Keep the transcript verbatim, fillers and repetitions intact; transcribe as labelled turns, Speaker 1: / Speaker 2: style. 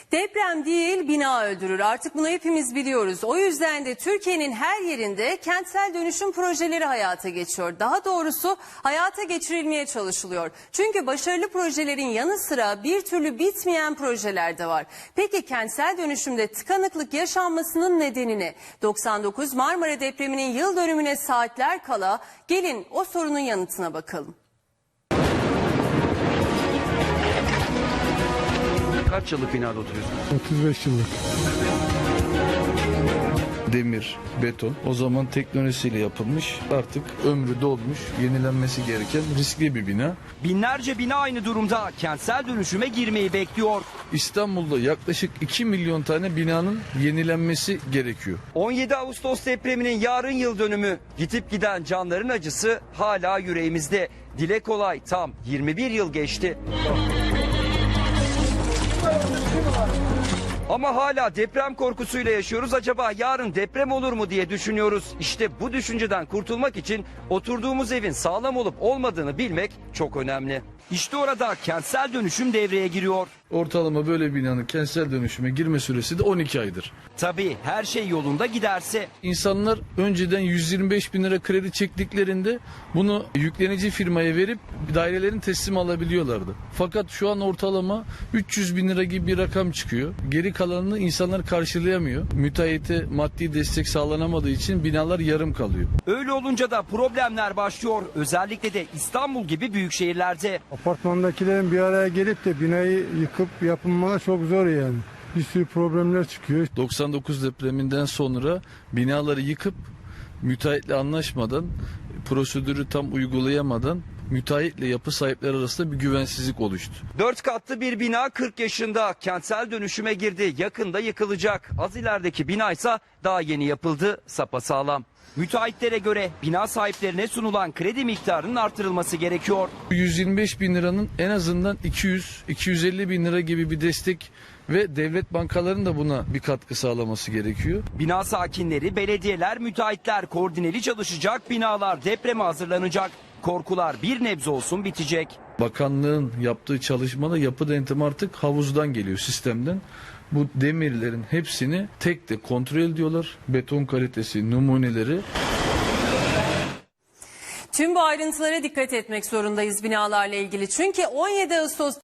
Speaker 1: Deprem değil, bina öldürür. Artık bunu hepimiz biliyoruz. O yüzden de Türkiye'nin her yerinde kentsel dönüşüm projeleri hayata geçiyor. Daha doğrusu hayata geçirilmeye çalışılıyor. Çünkü başarılı projelerin yanı sıra bir türlü bitmeyen projeler de var. Peki kentsel dönüşümde tıkanıklık yaşanmasının nedeni ne? doksan dokuz Marmara depreminin yıl dönümüne saatler kala gelin o sorunun yanıtına bakalım.
Speaker 2: Kaç yıllık binada oturuyorsunuz?
Speaker 3: otuz beş yıllık.
Speaker 4: Demir, beton o zaman teknolojisiyle yapılmış, artık ömrü dolmuş, yenilenmesi gereken riskli bir bina.
Speaker 2: Binlerce bina aynı durumda, kentsel dönüşüme girmeyi bekliyor.
Speaker 4: İstanbul'da yaklaşık iki milyon tane binanın yenilenmesi gerekiyor.
Speaker 2: on yedi Ağustos depreminin yarın yıl dönümü. Gidip giden canların acısı hala yüreğimizde. Dile kolay tam yirmi bir yıl geçti. Ama hala deprem korkusuyla yaşıyoruz. Acaba yarın deprem olur mu diye düşünüyoruz. İşte bu düşünceden kurtulmak için oturduğumuz evin sağlam olup olmadığını bilmek çok önemli. İşte orada kentsel dönüşüm devreye giriyor.
Speaker 4: Ortalama böyle binanın kentsel dönüşüme girme süresi de on iki aydır.
Speaker 2: Tabii her şey yolunda giderse.
Speaker 4: İnsanlar önceden yüz yirmi beş bin lira kredi çektiklerinde bunu yüklenici firmaya verip dairelerin teslim alabiliyorlardı. Fakat şu an ortalama üç yüz bin lira gibi bir rakam çıkıyor. Geri kalanını insanlar karşılayamıyor. Müteahhite maddi destek sağlanamadığı için binalar yarım kalıyor.
Speaker 2: Öyle olunca da problemler başlıyor. Özellikle de İstanbul gibi büyük şehirlerde.
Speaker 3: Apartmandakilerin bir araya gelip de binayı yıkıp yapılmaları çok zor yani. Bir sürü problemler çıkıyor.
Speaker 4: doksan dokuz depreminden sonra binaları yıkıp müteahhitle anlaşmadan, prosedürü tam uygulayamadan müteahhitle yapı sahipleri arasında bir güvensizlik oluştu.
Speaker 2: Dört katlı bir bina kırk yaşında kentsel dönüşüme girdi. Yakında yıkılacak. Az ilerideki bina ise daha yeni yapıldı. Sapasağlam. Müteahhitlere göre bina sahiplerine sunulan kredi miktarının artırılması gerekiyor.
Speaker 4: yüz yirmi beş bin liranın en azından iki yüz iki yüz elli bin lira gibi bir destek ve devlet bankalarının da buna bir katkı sağlaması gerekiyor.
Speaker 2: Bina sakinleri, belediyeler, müteahhitler koordineli çalışacak, binalar depreme hazırlanacak. Korkular bir nebze olsun bitecek.
Speaker 4: Bakanlığın yaptığı çalışmada yapı denetimi artık havuzdan geliyor, sistemden. Bu demirlerin hepsini tek de kontrol ediyorlar. Beton kalitesi, numuneleri.
Speaker 1: Tüm bu ayrıntılara dikkat etmek zorundayız binalarla ilgili. Çünkü on yedi Ağustos